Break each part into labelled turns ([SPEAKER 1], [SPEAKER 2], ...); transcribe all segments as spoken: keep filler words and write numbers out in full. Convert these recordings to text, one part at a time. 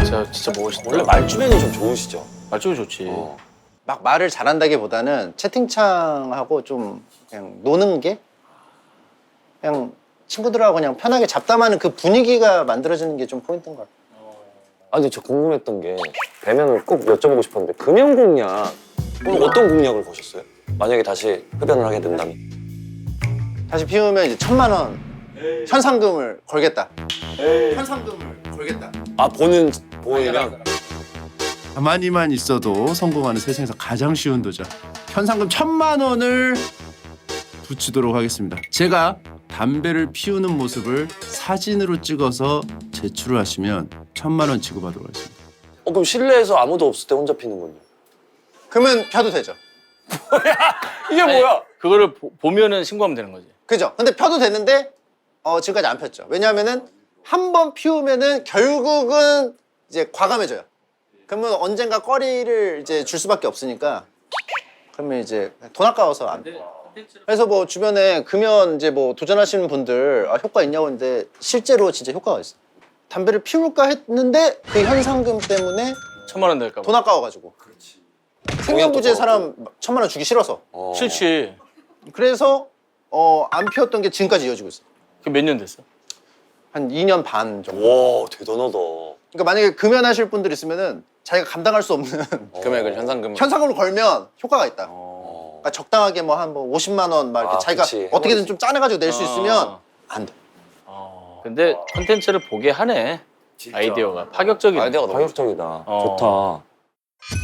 [SPEAKER 1] 진짜 진짜 멋있다.
[SPEAKER 2] 원래 말주변이 좀 좋으시죠?
[SPEAKER 1] 말주변 좋지.
[SPEAKER 2] 어.
[SPEAKER 3] 막 말을 잘한다기보다는 채팅창하고 좀 그냥 노는 게 그냥 친구들하고 그냥 편하게 잡담하는 그 분위기가 만들어지는 게 좀 포인트인 것 같아요.
[SPEAKER 2] 아 근데 저 궁금했던 게 배면을 꼭 여쭤보고 싶었는데 금연 공약 오늘 어떤 공약을 거셨어요? 만약에 다시 흡연을 하게 된다면
[SPEAKER 3] 다시 피우면 이제 천만 원 현상금을 걸겠다. 현상금을 걸겠다.
[SPEAKER 2] 아 보는 보이면
[SPEAKER 4] 가만히만 있어도 성공하는 세상에서 가장 쉬운 도전. 현상금 천만 원을 붙이도록 하겠습니다. 제가 담배를 피우는 모습을 사진으로 찍어서 제출을 하시면 천만 원 지급하도록 하겠습니다.
[SPEAKER 2] 어 그럼 실내에서 아무도 없을 때 혼자 피는군요.
[SPEAKER 3] 그러면 펴도 되죠.
[SPEAKER 2] 이게 뭐야?
[SPEAKER 1] 그거를 보, 보면은 신고하면 되는 거지.
[SPEAKER 3] 그죠? 근데 펴도 되는데 어, 지금까지 안 폈죠. 왜냐하면은 한 번 피우면은 결국은 이제 과감해져요. 그러면 언젠가 꺼리를 이제 줄 수밖에 없으니까 그러면 이제 돈 아까워서 안 돼. 그래서 뭐 주변에 금연 이제 뭐 도전하시는 분들 아, 효과 있냐고 했는데 실제로 진짜 효과가 있어. 담배를 피울까 했는데 그 현상금 때문에
[SPEAKER 1] 천만 원 낼까 봐.
[SPEAKER 3] 돈 아까워가지고. 생명부재 사람 천만 원 주기 싫어서.
[SPEAKER 2] 어.
[SPEAKER 1] 싫지.
[SPEAKER 3] 그래서 어, 안 피웠던 게 지금까지 이어지고 있어.
[SPEAKER 1] 그게 몇 년 됐어?
[SPEAKER 3] 한 이 년 반 정도.
[SPEAKER 2] 와 대단하다.
[SPEAKER 3] 그러니까 만약에 금연하실 분들 있으면은 자기가 감당할 수 없는
[SPEAKER 1] 금액을 현상금.
[SPEAKER 3] 현상금을 걸면 효과가 있다.
[SPEAKER 2] 어.
[SPEAKER 3] 그러니까 적당하게 뭐 한 뭐 오십만 원 막 이렇게
[SPEAKER 2] 아,
[SPEAKER 3] 자기가
[SPEAKER 2] 그치.
[SPEAKER 3] 어떻게든 좀 짜내가지고 낼 수
[SPEAKER 1] 어.
[SPEAKER 3] 있으면 안 돼.
[SPEAKER 1] 어. 근데 콘텐츠를 보게 하네. 아이디어가 파격적이네.
[SPEAKER 2] 아이디어가 너무 파격적이다.
[SPEAKER 1] 어.
[SPEAKER 2] 좋다.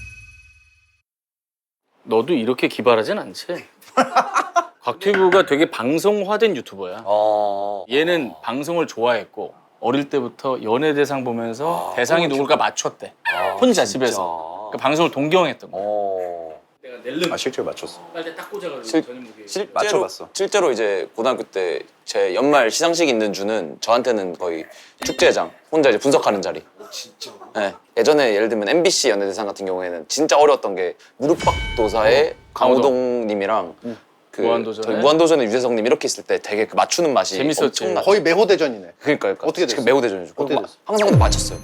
[SPEAKER 1] 너도 이렇게 기발하진 않지? 곽튜브가 되게 방송화된 유튜버야.
[SPEAKER 2] 어.
[SPEAKER 1] 얘는 방송을 좋아했고 어릴 때부터 연예대상 보면서
[SPEAKER 2] 아,
[SPEAKER 1] 대상이
[SPEAKER 2] 너무
[SPEAKER 1] 누굴까 맞췄대.
[SPEAKER 2] 아,
[SPEAKER 1] 혼자
[SPEAKER 2] 진짜.
[SPEAKER 1] 집에서. 그러니까 방송을 동경했던 거야.
[SPEAKER 2] 어.
[SPEAKER 1] 내가 낼름
[SPEAKER 3] 아 실제로 맞췄어.
[SPEAKER 1] 빨대 딱 꽂아가지고
[SPEAKER 2] 실-
[SPEAKER 1] 전현무게.
[SPEAKER 2] 실제로
[SPEAKER 3] 맞춰봤어.
[SPEAKER 2] 실제로 이제 고등학교 때 제 연말 시상식 있는 주는 저한테는 거의 축제장 혼자 이제 분석하는 자리. 진짜. 네. 예전에 예를 들면 엠비씨 연예대상 같은 경우에는 진짜 어려웠던 게 무릎팍도사의 강호동님이랑 그
[SPEAKER 1] 무한도전에?
[SPEAKER 2] 저희 무한도전의 유재석님 이렇게 있을 때 되게 그 맞추는 맛이
[SPEAKER 1] 재밌었지.
[SPEAKER 2] 엄청나.
[SPEAKER 3] 거의 매호대전이네.
[SPEAKER 2] 그러니까, 그러니까
[SPEAKER 3] 어떻게
[SPEAKER 2] 지금
[SPEAKER 3] 됐어?
[SPEAKER 2] 매우 대전이죠.
[SPEAKER 3] 어떻게 됐어?
[SPEAKER 2] 항상 근데 맞췄어요.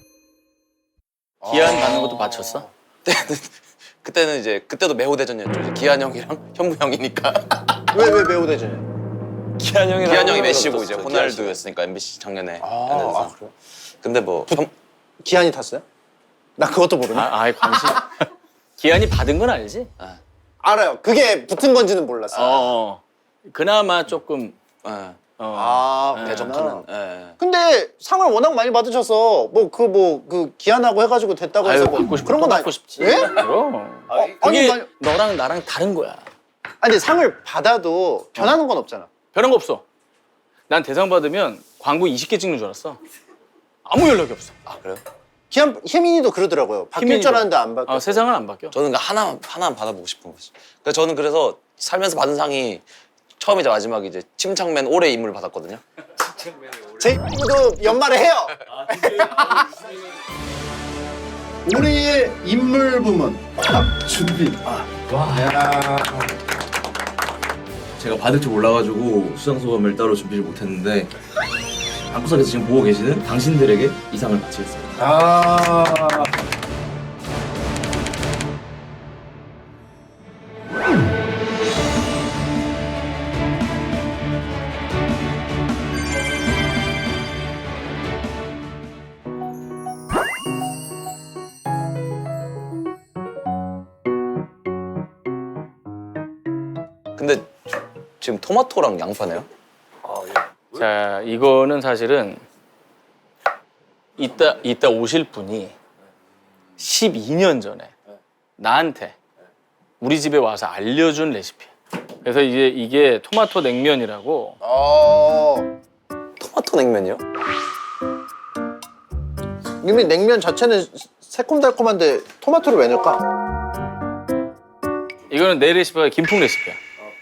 [SPEAKER 1] 기한 받는 것도 맞췄어?
[SPEAKER 2] 그때는 이제 그때도 매우 대전이었죠. 이제 기한 형이랑 현무 형이니까.
[SPEAKER 3] 왜 왜 매호대전이야?
[SPEAKER 2] 기한 형이 기한 형이 메시고
[SPEAKER 3] 떴었어,
[SPEAKER 2] 이제
[SPEAKER 3] 기한
[SPEAKER 2] 호날두였으니까 엠비씨 작년에.
[SPEAKER 3] 아,
[SPEAKER 2] 연예대상.
[SPEAKER 3] 아 그래?
[SPEAKER 2] 근데 뭐 현,
[SPEAKER 3] 기한이 탔어요? 나 그것도 모르네.
[SPEAKER 1] 아, 아예 관심. 기한이 받은 건 알지?
[SPEAKER 3] 알아요. 그게 붙은 건지는 몰랐어.
[SPEAKER 1] 어. 어. 그나마 조금
[SPEAKER 2] 예,
[SPEAKER 1] 어.
[SPEAKER 3] 아
[SPEAKER 1] 네.
[SPEAKER 2] 대적하는.
[SPEAKER 3] 그렇구나.
[SPEAKER 2] 예.
[SPEAKER 3] 근데 상을 워낙 많이 받으셔서 뭐 그 뭐 그 기한하고 해가지고 됐다고
[SPEAKER 1] 아유,
[SPEAKER 3] 해서 뭐
[SPEAKER 1] 받고 싶
[SPEAKER 3] 그런 건
[SPEAKER 1] 받고
[SPEAKER 3] 아니-
[SPEAKER 1] 싶지.
[SPEAKER 3] 예?
[SPEAKER 1] 그럼.
[SPEAKER 3] 어, 아니,
[SPEAKER 1] 그게
[SPEAKER 3] 만-
[SPEAKER 1] 너랑 나랑 다른 거야.
[SPEAKER 3] 아니 근데 상을 받아도 변하는 건 없잖아.
[SPEAKER 1] 변한 거 없어. 난 대상 받으면 광고 이십 개 찍는 줄 알았어. 아무 연락이 없어.
[SPEAKER 2] 아 그래요?
[SPEAKER 3] 기한 혜민이도 그러더라고요. 바뀔
[SPEAKER 1] 혜민이도.
[SPEAKER 3] 줄 알았는데 안 바뀌어.
[SPEAKER 1] 어, 세상은 안 바뀌어.
[SPEAKER 2] 저는 그 하나 하나만 받아보고 싶은 거지. 그러니까 저는 그래서 살면서 받은 상이 처음이자 마지막이 이제 침착맨 올해 인물 받았거든요.
[SPEAKER 3] 제 친구도 연말에 해요. 올해의 인물 부문 박준빈.
[SPEAKER 5] 제가 받을 줄 몰라가지고 수상 소감을 따로 준비를 못했는데 방구석에서 지금 보고 계시는 당신들에게 이 상을 바치겠습니다.
[SPEAKER 4] 아.
[SPEAKER 2] 근데 지금 토마토랑 양파네요?
[SPEAKER 1] 자, 이거는 사실은 이따 이따 오실 분이 십이 년 전에 나한테 우리 집에 와서 알려준 레시피. 그래서 이게 이게 토마토 냉면이라고.
[SPEAKER 3] 어.
[SPEAKER 2] 토마토 냉면이요?
[SPEAKER 3] 이미 냉면 자체는 새콤달콤한데 토마토를 왜 넣을까?
[SPEAKER 1] 이거는 내 레시피가 김풍 레시피야.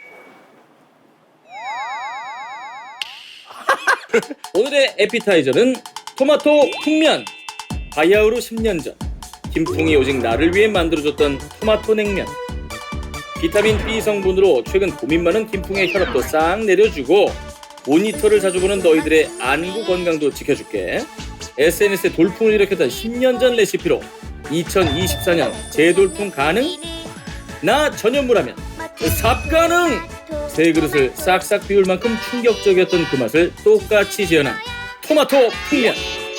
[SPEAKER 1] 오늘의 에피타이저는 토마토 풍면. 바야흐로 십 년 전 김풍이 오직 나를 위해 만들어줬던 토마토 냉면. 비타민 B 성분으로 최근 고민 많은 김풍의 혈압도 싹 내려주고 모니터를 자주 보는 너희들의 안구 건강도 지켜줄게. 에스엔에스에 돌풍을 일으켰던 십 년 전 레시피로 이천이십사 년 재돌풍 가능? 나 전현무라면 삽 가능! 세 그릇을 싹싹 비울 만큼 충격적이었던 그 맛을 똑같이 재현한 토마토 풍면.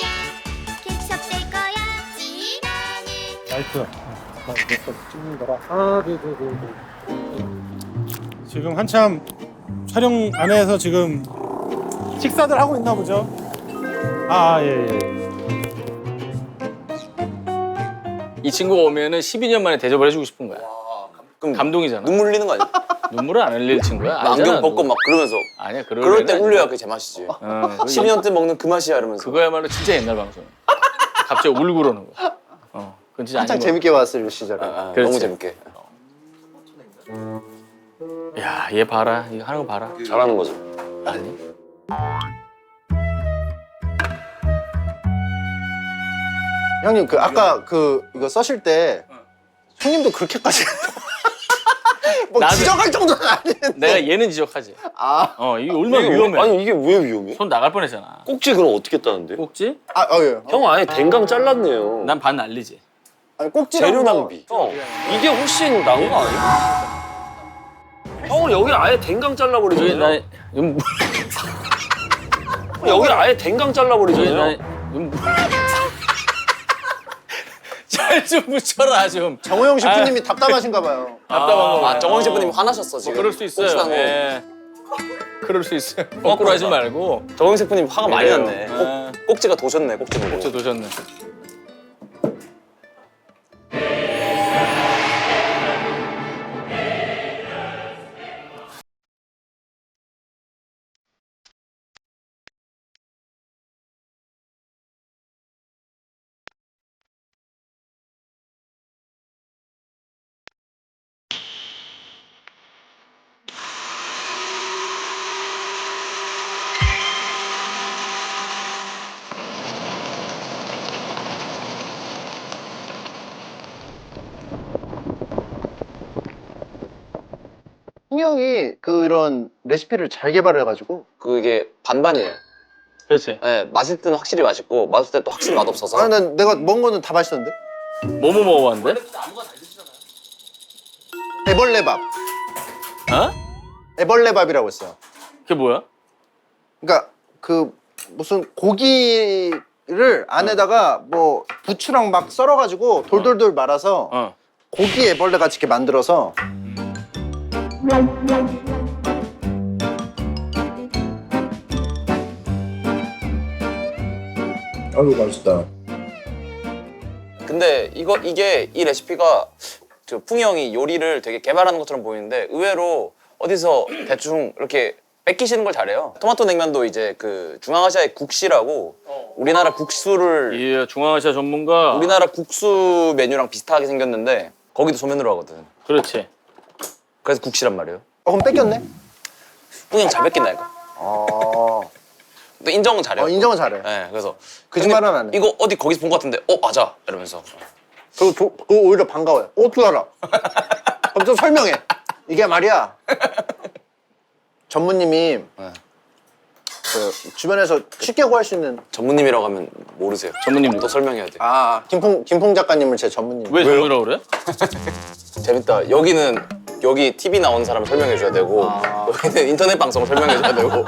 [SPEAKER 6] 라이트 찍는 거라. 아, 네, 네, 네, 네. 지금 한참 촬영 안에서 지금 식사들 하고 있나 보죠? 아, 예, 예.
[SPEAKER 1] 이 친구가 오면은 십이 년 만에 대접을 해주고 싶은 거야.
[SPEAKER 2] 그럼
[SPEAKER 1] 감동이잖아.
[SPEAKER 2] 눈물 흘리는 거 아니야?
[SPEAKER 1] 눈물을 안 흘릴 친구야.
[SPEAKER 2] 안경
[SPEAKER 1] 알잖아,
[SPEAKER 2] 벗고
[SPEAKER 1] 너.
[SPEAKER 2] 막 그러면서
[SPEAKER 1] 아니야, 그럴
[SPEAKER 2] 그럴 때
[SPEAKER 1] 애는
[SPEAKER 2] 울려야 그게 제맛이지.
[SPEAKER 1] 어,
[SPEAKER 2] 십이 년 때 먹는 그 맛이야 이러면서.
[SPEAKER 1] 그거야말로 진짜 옛날 방송. 갑자기 울고 그러는 거야. 어, 그건 진짜
[SPEAKER 3] 한창
[SPEAKER 1] 아닌
[SPEAKER 3] 재밌게 봤을 시절에.
[SPEAKER 2] 아, 아,
[SPEAKER 1] 그렇지.
[SPEAKER 2] 너무 재밌게.
[SPEAKER 1] 거. 야, 얘 봐라. 이거 하는 거 봐라.
[SPEAKER 2] 잘하는 거죠.
[SPEAKER 1] 아니.
[SPEAKER 3] 형님 그 아까 그 이거 써실 때 형님도 그렇게까지 뭐
[SPEAKER 1] 나도-
[SPEAKER 3] 지적할 정도는 아닌데.
[SPEAKER 1] 내가 얘는 지적하지.
[SPEAKER 3] 아,
[SPEAKER 1] 어, 이게 얼마나
[SPEAKER 7] 이게
[SPEAKER 1] 위험해.
[SPEAKER 7] 아니 이게 왜 위험해?
[SPEAKER 1] 손 나갈 뻔했잖아.
[SPEAKER 7] 꼭지 그럼 어떻게 따는데?
[SPEAKER 1] 꼭지?
[SPEAKER 3] 아, 어, 예.
[SPEAKER 7] 형 아예 댕강 잘랐네요.
[SPEAKER 1] 난 반 날리지.
[SPEAKER 3] 아니 꼭지
[SPEAKER 7] 재료 낭비. 형 이게 훨씬 나은 거 아니야? 형은 여기 아예 댕강
[SPEAKER 1] 여기
[SPEAKER 7] 잘라버리잖아요.
[SPEAKER 1] 나 음,
[SPEAKER 7] 여기 아예 댕강
[SPEAKER 1] 여기 나
[SPEAKER 7] 잘라버리잖아요.
[SPEAKER 1] 음, 잘좀 붙여라 좀.
[SPEAKER 3] 정호영 셰프님이 답답하신가 봐요.
[SPEAKER 1] 답답한 거.
[SPEAKER 2] 아 정원 셰프님이 화나셨어 지금.
[SPEAKER 1] 그럴 수 있어요.
[SPEAKER 2] 혹시나 뭐
[SPEAKER 1] 예. 그럴 수 있어요. 거꾸로 하지 말고.
[SPEAKER 2] 정원 셰프님 화가 많이
[SPEAKER 1] 그래요.
[SPEAKER 2] 났네.
[SPEAKER 1] 아.
[SPEAKER 2] 꼭, 꼭지가 도셨네 꼭지 보고.
[SPEAKER 1] 꼭지 도셨네.
[SPEAKER 3] 형이 그런 레시피를 잘 개발해가지고.
[SPEAKER 2] 그게 반반이에요.
[SPEAKER 1] 그렇지.
[SPEAKER 2] 네, 맛있을 때는 확실히 맛있고 맛없을 때 또 확실히 맛없어서.
[SPEAKER 3] 아, 난 내가 먹은 거는 다 맛있었는데.
[SPEAKER 1] 뭐뭐 먹어봤는데?
[SPEAKER 3] 애벌레밥.
[SPEAKER 1] 어?
[SPEAKER 3] 애벌레밥이라고 있어요.
[SPEAKER 1] 그게 뭐야?
[SPEAKER 3] 그러니까 그 무슨 고기를 안에다가 뭐 부추랑 막 썰어가지고 돌돌돌 말아서
[SPEAKER 1] 어.
[SPEAKER 3] 고기 애벌레 같이 이렇게 만들어서. 아유 맛있다.
[SPEAKER 2] 근데 이거 이게 이 레시피가 저 풍이 형이 요리를 되게 개발하는 것처럼 보이는데 의외로 어디서 대충 이렇게 뺏기시는 걸 잘해요. 토마토 냉면도 이제 그 중앙아시아의 국시라고 우리나라 국수를
[SPEAKER 1] 예, 중앙아시아 전문가.
[SPEAKER 2] 우리나라 국수 메뉴랑 비슷하게 생겼는데 거기도 소면으로 하거든.
[SPEAKER 1] 그렇지.
[SPEAKER 2] 그래서 국시란 말이에요.
[SPEAKER 3] 어, 그럼 뺏겼네?
[SPEAKER 2] 풍이 형 잘 뺏긴다니까.
[SPEAKER 3] 어,
[SPEAKER 2] 근데 인정은 잘해요.
[SPEAKER 3] 어 인정은 잘해.
[SPEAKER 2] 네, 그래서
[SPEAKER 3] 거짓말은
[SPEAKER 2] 근데
[SPEAKER 3] 안 해.
[SPEAKER 2] 이거 어디 거기서 본 것 같은데 어 맞아 이러면서
[SPEAKER 3] 그리고 조, 그거 오히려 반가워요. 어떻게 알아? 그럼 좀 설명해. 이게 말이야. 전무님이
[SPEAKER 2] 네.
[SPEAKER 3] 그 주변에서 쉽게 구할 수 있는.
[SPEAKER 2] 전무님이라고 하면 모르세요.
[SPEAKER 1] 전무님
[SPEAKER 2] 또 설명해야 돼.
[SPEAKER 3] 아, 김풍 김풍 작가님을 제 전무님.
[SPEAKER 1] 왜 전문이라고 그래?
[SPEAKER 2] 재밌다. 여기는 여기 티비 나오는 사람을 설명해 줘야 되고
[SPEAKER 3] 아.
[SPEAKER 2] 여기는 인터넷 방송을 설명해 줘야 되고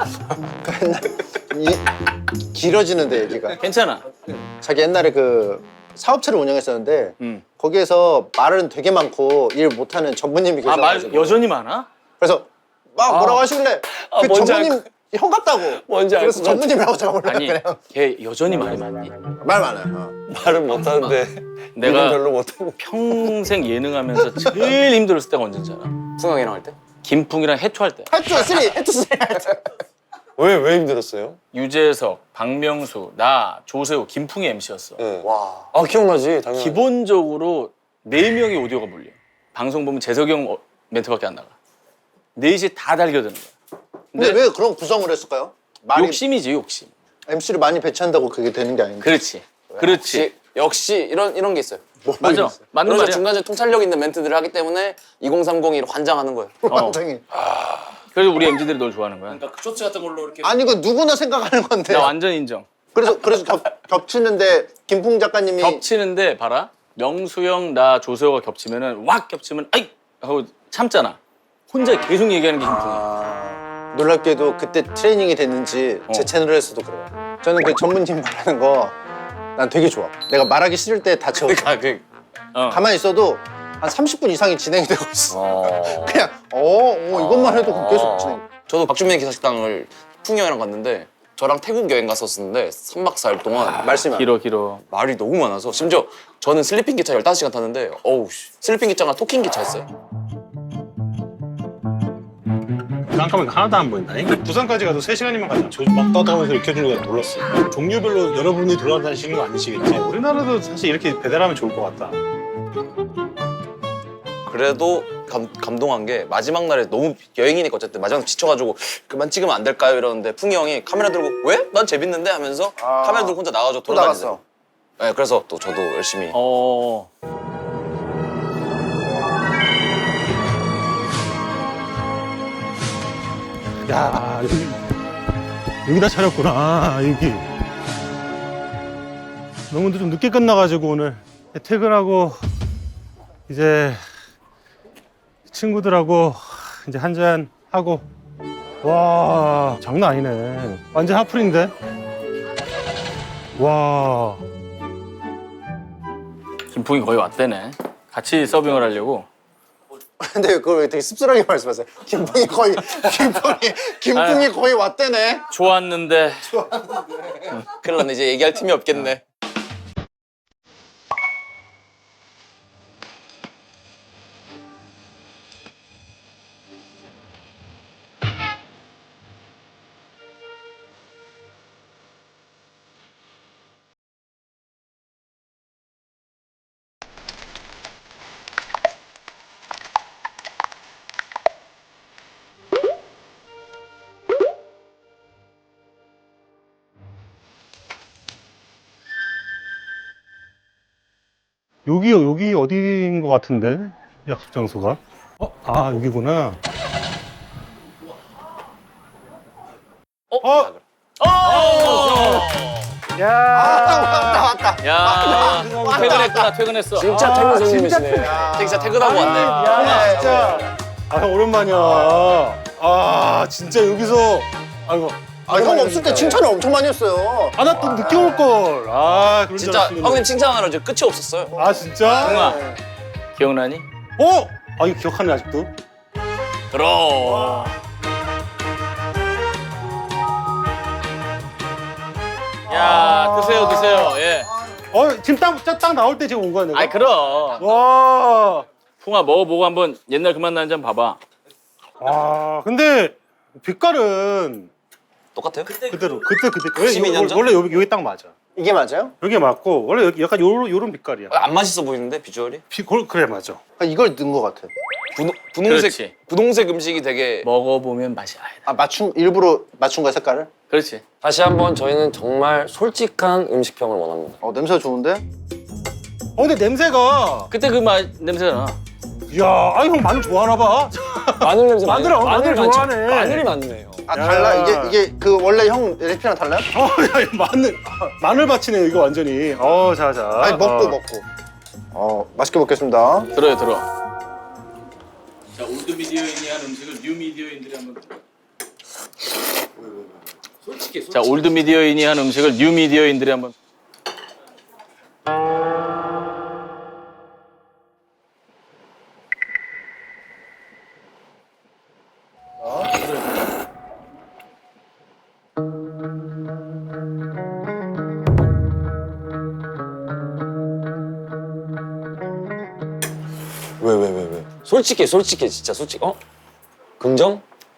[SPEAKER 3] 이, 길어지는데 얘기가.
[SPEAKER 1] 괜찮아.
[SPEAKER 3] 자기 옛날에 그 사업체를 운영했었는데
[SPEAKER 1] 음.
[SPEAKER 3] 거기에서 말은 되게 많고 일 못하는 전무님이
[SPEAKER 1] 아, 말
[SPEAKER 3] 계셔가지고.
[SPEAKER 1] 여전히 많아?
[SPEAKER 3] 그래서 막 뭐라고 하시길래
[SPEAKER 2] 아,
[SPEAKER 3] 그
[SPEAKER 2] 뭔지
[SPEAKER 3] 전무님 형 같다고.
[SPEAKER 2] 뭔지
[SPEAKER 3] 그래서
[SPEAKER 2] 알고
[SPEAKER 3] 전무님이라고 제가 몰라
[SPEAKER 1] 아니,
[SPEAKER 3] 그냥.
[SPEAKER 1] 걔 여전히 말이 많니?
[SPEAKER 3] 말 많아요. 어.
[SPEAKER 7] 말은 못하는데
[SPEAKER 1] 내가
[SPEAKER 7] 일은 별로 못하고.
[SPEAKER 1] 평생 예능하면서 제일 힘들었을 때가 언제인지 알아?
[SPEAKER 2] 풍형이랑 할 때?
[SPEAKER 1] 김풍이랑 해투할 때.
[SPEAKER 3] 해투 쓰리, 해투 쓰리.
[SPEAKER 7] 왜 왜 힘들었어요?
[SPEAKER 1] 유재석, 박명수, 나, 조세호, 김풍이 엠씨였어.
[SPEAKER 7] 네.
[SPEAKER 2] 와
[SPEAKER 7] 아 기억나지 당연히.
[SPEAKER 1] 기본적으로 네 명의 오디오가 몰려. 방송 보면 재석이 형 어- 멘트밖에 안 나가. 넷이 다 달겨드는 거야.
[SPEAKER 3] 근데 왜 그런 구성을 했을까요? 말이
[SPEAKER 1] 욕심이지, 욕심.
[SPEAKER 3] 엠씨를 많이 배치한다고 그게 되는 게 아닌데.
[SPEAKER 1] 그렇지. 그렇지.
[SPEAKER 2] 역시, 역시 이런 이런 게 있어요.
[SPEAKER 1] 맞아. 맞는
[SPEAKER 2] 그래서
[SPEAKER 1] 말이야.
[SPEAKER 2] 중간에 통찰력 있는 멘트들을 하기 때문에 이공삼공이로 환장하는 거예요.
[SPEAKER 3] 완전히.
[SPEAKER 1] 그래서 우리 엠지들이 널 좋아하는 거야.
[SPEAKER 2] 쇼츠 같은 걸로 이렇게
[SPEAKER 3] 아니 이거 누구나 생각하는 건데.
[SPEAKER 1] 나 완전 인정.
[SPEAKER 3] 그래서 그래서 겹, 겹치는데 김풍 작가님이
[SPEAKER 1] 겹치는데 봐라. 명수형, 나, 조세호가 겹치면은 왁 겹치면 아이 하고 참잖아. 혼자 계속 얘기하는 게 김풍이야.
[SPEAKER 3] 아, 놀랍게도 그때 트레이닝이 됐는지 제
[SPEAKER 1] 어.
[SPEAKER 3] 채널에서도 그래요. 저는 그 전문님 말하는 거 난 되게 좋아. 내가 말하기 싫을 때 다 채워.
[SPEAKER 2] 그러니까 그
[SPEAKER 1] 어.
[SPEAKER 3] 가만히 있어도 한 삼십 분 이상이 진행이 되고 있어.
[SPEAKER 2] 어...
[SPEAKER 3] 그냥 어, 어 이것만 해도 계속 진행.
[SPEAKER 2] 저도 박준민 기사식당을 풍이 형이랑 갔는데 저랑 태국 여행 갔었는데 삼 박 사 일 동안
[SPEAKER 3] 말씀이
[SPEAKER 1] 길어 길어.
[SPEAKER 2] 말이 너무 많아서 심지어 저는 슬리핑 기차 열다섯 시간 탔는데 어우 씨. 슬리핑 기차가 토킹 기차였어요.
[SPEAKER 6] 깜깜하게 하나도 안 보인다니? 부산까지 가도 세 시간이면 가잖아. 저막 떠다니면서 이렇게 해주는 게 놀랐어. 종류별로 여러분이 돌아다니시는 거 아니시겠지? 우리나라도 사실 이렇게 배달하면 좋을 것 같다.
[SPEAKER 2] 그래도 감, 감동한 게 마지막 날에 너무 여행이니까 어쨌든 마지막 지쳐가지고 그만 찍으면 안 될까요? 이러는데 풍이 형이 카메라 들고 왜? 난 재밌는데? 하면서
[SPEAKER 3] 아.
[SPEAKER 2] 카메라 들고 혼자 나가서
[SPEAKER 3] 또
[SPEAKER 2] 돌아다니세요.
[SPEAKER 3] 나갔어.
[SPEAKER 2] 네, 그래서 또 저도 열심히
[SPEAKER 1] 어.
[SPEAKER 6] 야, 여기, 여기다 차렸구나, 여기. 너무 좀 늦게 끝나가지고 오늘 퇴근하고 이제 친구들하고 이제 한잔 하고 와 장난 아니네. 완전 하플인데. 와.
[SPEAKER 1] 김풍이 거의 왔대네. 같이 서빙을 하려고.
[SPEAKER 3] 근데 그걸 왜 되게 씁쓸하게 말씀하세요? 김풍이 거의 김풍이 김풍이 거의 왔대네.
[SPEAKER 1] 좋았는데.
[SPEAKER 2] 큰일 났네. 이제 얘기할 틈이 없겠네.
[SPEAKER 6] 여기 여기 어디인 것 같은데 약속 장소가? 어? 아 여기구나. 어? 야.
[SPEAKER 3] 왔다 왔다.
[SPEAKER 1] 야, 퇴근했구나, 퇴근했어.
[SPEAKER 7] 진짜
[SPEAKER 6] 아,
[SPEAKER 7] 태근
[SPEAKER 6] 진짜
[SPEAKER 7] 선생님이시네.
[SPEAKER 2] 진짜 퇴근하고 왔네.
[SPEAKER 6] 야 진짜. 아 형 오랜만이야. 아 진짜 여기서 아이고.
[SPEAKER 3] 아 형 없을 때 칭찬을 엄청 많이 했어요.
[SPEAKER 6] 아 나 또 늦게 올 걸. 아 그런 줄
[SPEAKER 2] 진짜
[SPEAKER 6] 알았으면.
[SPEAKER 2] 형님 칭찬하느라 이제 끝이 없었어요.
[SPEAKER 6] 아 진짜?
[SPEAKER 1] 풍아, 기억나니?
[SPEAKER 6] 어? 아 이거 기억하네 아직도.
[SPEAKER 1] 그럼. 야, 드세요, 드세요. 예.
[SPEAKER 6] 어 지금 딱, 딱 나올 때 지금 온 거야 내가.
[SPEAKER 1] 아이, 그럼.
[SPEAKER 6] 와.
[SPEAKER 1] 풍아 먹어보고 한번 옛날 그 맛 나는지 한번 봐봐.
[SPEAKER 6] 아 근데 빛깔은
[SPEAKER 2] 똑같아요?
[SPEAKER 6] 그대로 그때 그때
[SPEAKER 2] 십이 년 전?
[SPEAKER 6] 원래 여기 여기 딱 맞아.
[SPEAKER 3] 이게 맞아요?
[SPEAKER 6] 여기 맞고 원래 여기 약간 요런 요런 빛깔이야.
[SPEAKER 2] 안 맛있어 보이는데 비주얼이?
[SPEAKER 6] 비, 골- 그래 맞아.
[SPEAKER 3] 아, 이걸 넣은 것 같아.
[SPEAKER 2] 분홍, 분홍색
[SPEAKER 1] 그렇지.
[SPEAKER 2] 분홍색 음식이 되게
[SPEAKER 1] 먹어보면 맛이 알다.
[SPEAKER 3] 아 맞춤 일부러 맞춘 거야 색깔을?
[SPEAKER 1] 그렇지.
[SPEAKER 7] 다시 한번 저희는 정말 솔직한 음식평을 원합니다.
[SPEAKER 3] 어 냄새 좋은데?
[SPEAKER 6] 어 근데 냄새가
[SPEAKER 1] 그때 그 맛 냄새나.
[SPEAKER 6] 야, 아 형 마늘 좋아하나 봐.
[SPEAKER 7] 마늘 냄새 많이
[SPEAKER 6] 마늘, 어, 마늘
[SPEAKER 7] 많죠.
[SPEAKER 6] 좋아하네.
[SPEAKER 7] 마늘이 많네요.
[SPEAKER 3] 아
[SPEAKER 6] 야.
[SPEAKER 3] 달라 이게 이게 그 원래 형 레시피랑 달라요?
[SPEAKER 6] 어, 야, 이 마늘 마늘 밭이네 이거 완전히. 어, 자, 자.
[SPEAKER 3] 아니 먹고
[SPEAKER 6] 어.
[SPEAKER 3] 먹고. 어 맛있게 먹겠습니다.
[SPEAKER 1] 들어요, 들어. 자, 올드 미디어인이 한 음식을 뉴 미디어인들이 한번. 솔직히, 솔직히. 자, 올드 미디어인이 한 음식을 뉴 미디어인들이 한번.
[SPEAKER 7] 왜 왜 왜 왜? 솔직해 솔직해 진짜 솔직. 어? 긍정?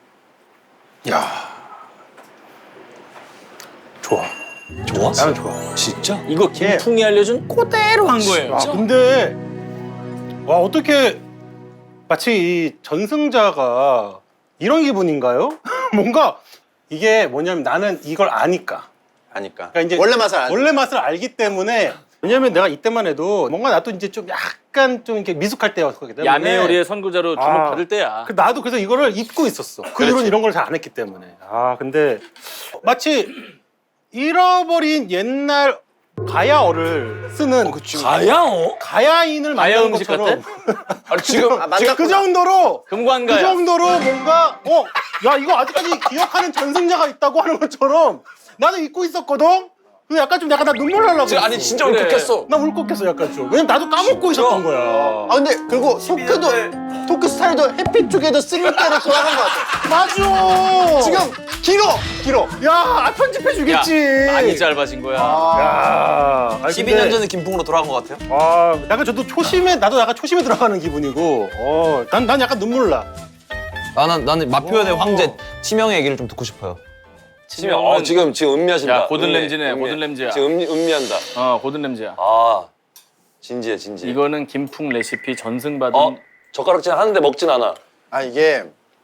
[SPEAKER 6] 좋아.
[SPEAKER 7] 좋아?
[SPEAKER 6] 나는 좋아.
[SPEAKER 7] 진짜?
[SPEAKER 1] 이거 김풍이 알려준 그대로 한 거예요.
[SPEAKER 6] 아, 근데 와, 어떻게 마치 이 전승자가 이런 기분인가요? 뭔가 이게 뭐냐면 나는 이걸 아니까.
[SPEAKER 3] 아니까.
[SPEAKER 6] 그러니까 이제
[SPEAKER 3] 원래 맛을 안.
[SPEAKER 6] 원래 맛을 알기 때문에 왜냐면 내가 이때만 해도 뭔가 나도 이제 좀 약간 좀 이렇게 미숙할 때였기 때문에
[SPEAKER 1] 야매 요리의 선구자로 주목
[SPEAKER 6] 아.
[SPEAKER 1] 받을 때야.
[SPEAKER 6] 그 나도 그래서 이거를 잊고 있었어. 그 이후로 이런 걸 잘 안 했기 때문에. 아 근데 마치 잃어버린 옛날 가야어를 쓰는
[SPEAKER 7] 가야어?
[SPEAKER 6] 가야인을
[SPEAKER 1] 가야
[SPEAKER 6] 만드는
[SPEAKER 1] 음식
[SPEAKER 6] 것처럼
[SPEAKER 2] 아니 지금
[SPEAKER 3] 아,
[SPEAKER 6] 지금 그
[SPEAKER 3] 만났구나.
[SPEAKER 6] 정도로 그
[SPEAKER 1] 금관가야.
[SPEAKER 6] 정도로 뭔가 어 야 이거 아직까지 기억하는 전승자가 있다고 하는 것처럼 나는 잊고 있었거든. 그 약간 좀 약간 나 눈물 날라고.
[SPEAKER 2] 지금 아니 진짜
[SPEAKER 1] 그래.
[SPEAKER 2] 울컥했어.
[SPEAKER 6] 나 울컥했어 약간 좀. 왜냐면 나도 까먹고 있었던 거야.
[SPEAKER 3] 아 근데 그리고 토크도 토크 스타일도 해피 투게더 쓰리 때로 돌아간 것 같아.
[SPEAKER 6] 맞아.
[SPEAKER 3] 지금 길어 길어.
[SPEAKER 6] 야 편집해 주겠지.
[SPEAKER 1] 많이 짧아진 거야.
[SPEAKER 6] 야. 아니,
[SPEAKER 2] 십이 년
[SPEAKER 6] 근데-
[SPEAKER 2] 전에 김풍으로 돌아간 것 같아요.
[SPEAKER 6] 아, 약간 저도 초심에 나도 약간 초심에 들어가는 기분이고, 어, 난, 난 약간 눈물 나.
[SPEAKER 2] 나는 나는 마표현의 황제 치명의 얘기를 좀 듣고 싶어요.
[SPEAKER 7] 치명. 어, 지금 지금 음미하신다.
[SPEAKER 1] 야, 고든
[SPEAKER 7] 음미,
[SPEAKER 1] 램지네,
[SPEAKER 7] 음미.
[SPEAKER 1] 고든 램지야.
[SPEAKER 7] 지금 음미, 음미한다.
[SPEAKER 1] 어, 고든 램지야.
[SPEAKER 7] 아, 진지해 진지해.
[SPEAKER 1] 이거는 김풍 레시피 전승받은
[SPEAKER 7] 어, 젓가락질 하는데 먹진 않아.
[SPEAKER 3] 아 이게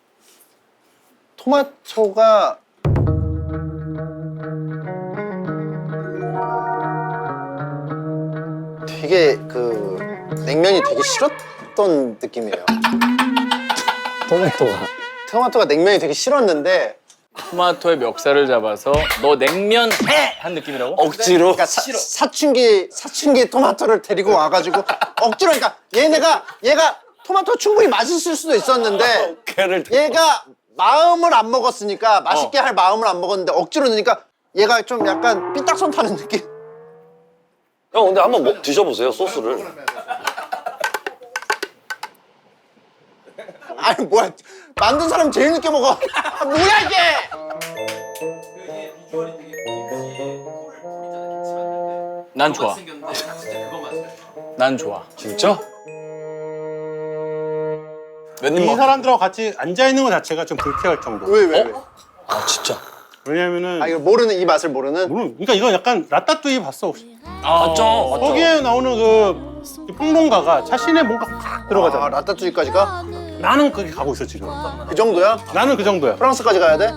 [SPEAKER 3] 토마토가 되게 그 냉면이 되게 싫었던 느낌이에요.
[SPEAKER 7] 토마토가.
[SPEAKER 3] 토마토가 냉면이 되게 싫었는데
[SPEAKER 1] 토마토의 멱살을 잡아서 너 냉면 해! 한 느낌이라고?
[SPEAKER 7] 억지로.
[SPEAKER 3] 그러니까 사, 사춘기 사춘기 토마토를 데리고 와가지고 억지로 그러니까 얘네가 얘가 토마토 충분히 맛있을 수도 있었는데
[SPEAKER 7] 걔를
[SPEAKER 3] 얘가 마음을 안 먹었으니까 맛있게 할 마음을 안 먹었는데 억지로 넣으니까 얘가 좀 약간 삐딱선 타는 느낌.
[SPEAKER 7] 형 근데 한번 먹, 드셔보세요 소스를.
[SPEAKER 3] 아니 뭐야 만든 사람 제일 늦게 먹어. 아, 뭐야 이게?
[SPEAKER 1] 난 좋아. 난 좋아.
[SPEAKER 7] 진짜?
[SPEAKER 2] 웬님
[SPEAKER 6] 이
[SPEAKER 2] 먹.
[SPEAKER 6] 사람들하고 같이 앉아있는 것 자체가 좀 불쾌할 정도.
[SPEAKER 3] 왜 왜? 왜?
[SPEAKER 7] 아 진짜.
[SPEAKER 6] 왜냐면은,
[SPEAKER 3] 아 이거 모르는 이 맛을 모르는.
[SPEAKER 6] 모르- 그러니까 이거 약간 라따뚜이 봤어, 혹시?
[SPEAKER 1] 맞죠?
[SPEAKER 6] 거기에 나오는 그, 그 평론가가 자신의 뭔가 확 들어가잖아.
[SPEAKER 3] 아 라따뚜이까지가
[SPEAKER 6] 나는 거기 가고 있어, 지금.
[SPEAKER 3] 그 정도야?
[SPEAKER 6] 나는 그 정도야.
[SPEAKER 3] 프랑스까지 가야 돼?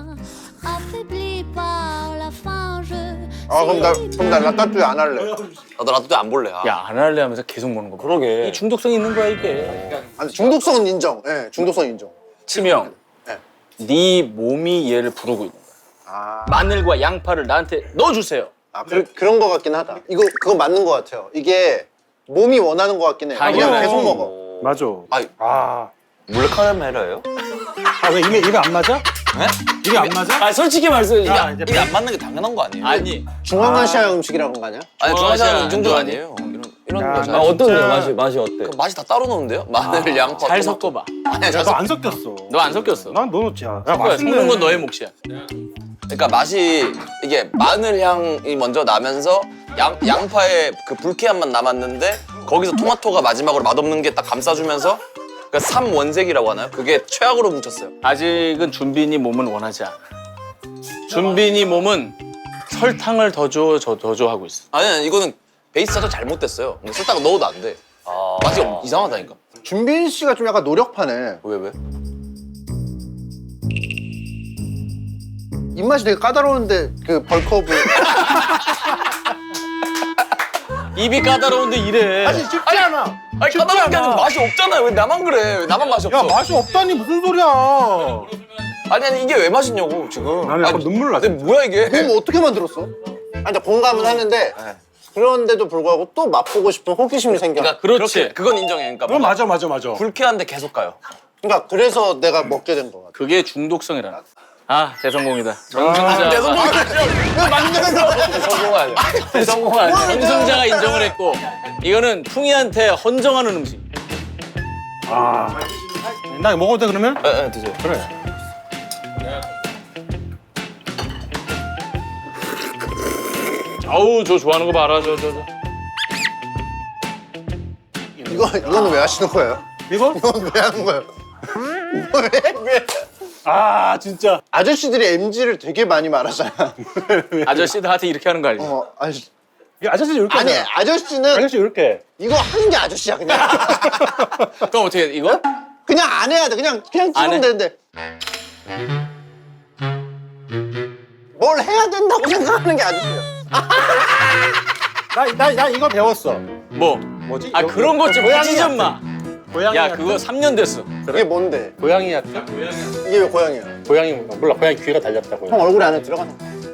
[SPEAKER 3] 아 그럼 나 그럼 나 라따뚜이 안 할래.
[SPEAKER 2] 나도 라떼 안 볼래. 아.
[SPEAKER 1] 야, 안 할래 하면서 계속 먹는 거 봐.
[SPEAKER 7] 그러게.
[SPEAKER 1] 이 중독성이 있는 거야, 이게.
[SPEAKER 3] 아니 중독성은 인정. 예, 중독성 인정.
[SPEAKER 1] 치명.
[SPEAKER 3] 네.
[SPEAKER 1] 네 몸이 얘를 부르고 있는 거야.
[SPEAKER 3] 아,
[SPEAKER 1] 마늘과 양파를 나한테 넣어주세요.
[SPEAKER 3] 아 그, 그런 거 같긴 하다. 이거 그거 맞는 거 같아요. 이게 몸이 원하는 거 같긴 해. 그냥
[SPEAKER 1] 당연해.
[SPEAKER 3] 계속 먹어.
[SPEAKER 6] 맞아.
[SPEAKER 2] 아이.
[SPEAKER 6] 아.
[SPEAKER 2] 몰카메라예요?
[SPEAKER 6] 아, 왜 입에, 입에 안 맞아?
[SPEAKER 2] 네?
[SPEAKER 6] 입에 안 맞아?
[SPEAKER 7] 아 솔직히 말씀해.
[SPEAKER 6] 야,
[SPEAKER 7] 야,
[SPEAKER 6] 이제
[SPEAKER 2] 이게 안 맞는 게 당연한 거 아니에요?
[SPEAKER 1] 아니,
[SPEAKER 3] 중앙아시아 음식이라고 한 거 아니야?
[SPEAKER 2] 아니
[SPEAKER 1] 중앙아시아
[SPEAKER 2] 중앙아시아는 이 정도
[SPEAKER 1] 안
[SPEAKER 2] 아니에요. 이런 이런
[SPEAKER 6] 야,
[SPEAKER 2] 거
[SPEAKER 6] 나
[SPEAKER 2] 잘.
[SPEAKER 7] 아 어떤데요?
[SPEAKER 6] 진짜-
[SPEAKER 7] 맛이 맛이 어때?
[SPEAKER 2] 그 맛이 다 따로 넣는데요? 마늘, 양파,
[SPEAKER 1] 잘
[SPEAKER 2] 토마토.
[SPEAKER 1] 섞어봐.
[SPEAKER 2] 아니야,
[SPEAKER 6] 야,
[SPEAKER 2] 잘
[SPEAKER 6] 너
[SPEAKER 2] 섞.
[SPEAKER 6] 안 섞였어.
[SPEAKER 1] 너 안 섞였어.
[SPEAKER 6] 난 넣어놓지. 야, 야
[SPEAKER 1] 섞어야
[SPEAKER 6] 맛있네.
[SPEAKER 1] 섞는 건 너의 몫이야.
[SPEAKER 2] 그러니까 맛이 이게 마늘 향이 먼저 나면서 양 양파의 그 불쾌한 맛 남았는데 거기서 토마토가 마지막으로 맛없는 게 딱 감싸주면서 그 삼원색이라고 하나요? 그게 최악으로 뭉쳤어요.
[SPEAKER 1] 아직은 준빈이 몸은 원하지 않아. 준빈이 몸은 설탕을 더 줘, 저 더 줘 하고 있어.
[SPEAKER 2] 아니, 아니 이거는 베이스 자체가 잘못됐어요. 근데 설탕을 넣어도 안 돼.
[SPEAKER 7] 아.
[SPEAKER 2] 맛이 이상하다니까.
[SPEAKER 3] 준빈 씨가 좀 약간 노력파네.
[SPEAKER 2] 왜 왜?
[SPEAKER 3] 입맛이 되게 까다로운데 그 벌크업을.
[SPEAKER 1] 입이 까다로운데 이래.
[SPEAKER 6] 아니, 쉽지 않아.
[SPEAKER 2] 아니
[SPEAKER 6] 쉽지
[SPEAKER 2] 까다로운 게
[SPEAKER 6] 않아.
[SPEAKER 2] 아니라 맛이 없잖아요. 왜 나만 그래? 왜 나만 맛이 없어?
[SPEAKER 6] 야, 맛이 없다니 무슨 소리야.
[SPEAKER 2] 아니 아니 이게 왜 맛있냐고 지금.
[SPEAKER 6] 나는 약간
[SPEAKER 2] 아니,
[SPEAKER 6] 눈물 나.
[SPEAKER 2] 근데 뭐야 이게?
[SPEAKER 3] 그럼 어떻게 만들었어? 아니 근데 공감은 하는데 그런데도 불구하고 또 맛보고 싶은 호기심이 생겨.
[SPEAKER 2] 그러니까
[SPEAKER 1] 그렇지.
[SPEAKER 2] 그렇게, 그건 인정해. 그러니까
[SPEAKER 6] 그건
[SPEAKER 2] 뭔가
[SPEAKER 6] 맞아, 맞아, 맞아.
[SPEAKER 2] 불쾌한데 계속 가요.
[SPEAKER 3] 그러니까 그래서 내가 먹게 된 거 같아.
[SPEAKER 1] 그게 중독성이라. 아, 대성공이다. 전승자.
[SPEAKER 3] 왜 만드는 거야?
[SPEAKER 2] 성공하죠.
[SPEAKER 1] 대성공한 전승자가 인정을 했고 이거는 풍이한테 헌정하는 음식.
[SPEAKER 6] 아. 나 먹어도 돼, 그러면?
[SPEAKER 2] 예, 예, 드세요.
[SPEAKER 6] 그래.
[SPEAKER 1] 아우, 저 좋아하는 거 봐라, 저, 저, 저.
[SPEAKER 3] 이거 이거는 왜 하시는 거예요?
[SPEAKER 6] 이거?
[SPEAKER 3] 이건 왜 하는 거예요? 왜 왜?
[SPEAKER 6] 아, 진짜.
[SPEAKER 3] 아저씨들이 엠지를 되게 많이 말하잖아.
[SPEAKER 1] 아저씨들한테 이렇게 하는 거 알지?
[SPEAKER 3] 어, 아저씨.
[SPEAKER 6] 이 아저씨 이렇게
[SPEAKER 3] 아니
[SPEAKER 6] 하잖아.
[SPEAKER 3] 아저씨는
[SPEAKER 6] 아저씨 이렇게.
[SPEAKER 3] 이거 하는 게 아저씨야 그냥.
[SPEAKER 1] 그럼 어떻게 해? 이거?
[SPEAKER 3] 그냥 안 해야 돼. 그냥 그냥
[SPEAKER 1] 안 해?
[SPEAKER 3] 찍으면 되는데. 뭘 해야 된다고 생각하는 게 아저씨야.
[SPEAKER 6] 나, 나, 나 이거 배웠어.
[SPEAKER 1] 뭐?
[SPEAKER 6] 뭐지?
[SPEAKER 1] 아, 그런 것 좀
[SPEAKER 6] 고양이
[SPEAKER 1] 하지 좀 마.
[SPEAKER 6] 고양이
[SPEAKER 1] 야,
[SPEAKER 6] 같은?
[SPEAKER 1] 그거 삼 년 됐어.
[SPEAKER 3] 이게 뭔데?
[SPEAKER 6] 고양이 같은?
[SPEAKER 3] 이게 왜 고양이야?
[SPEAKER 6] 고양이 몰라. 고양이 귀가 달렸다고.
[SPEAKER 3] 형 얼굴에 안에 들어가는 거.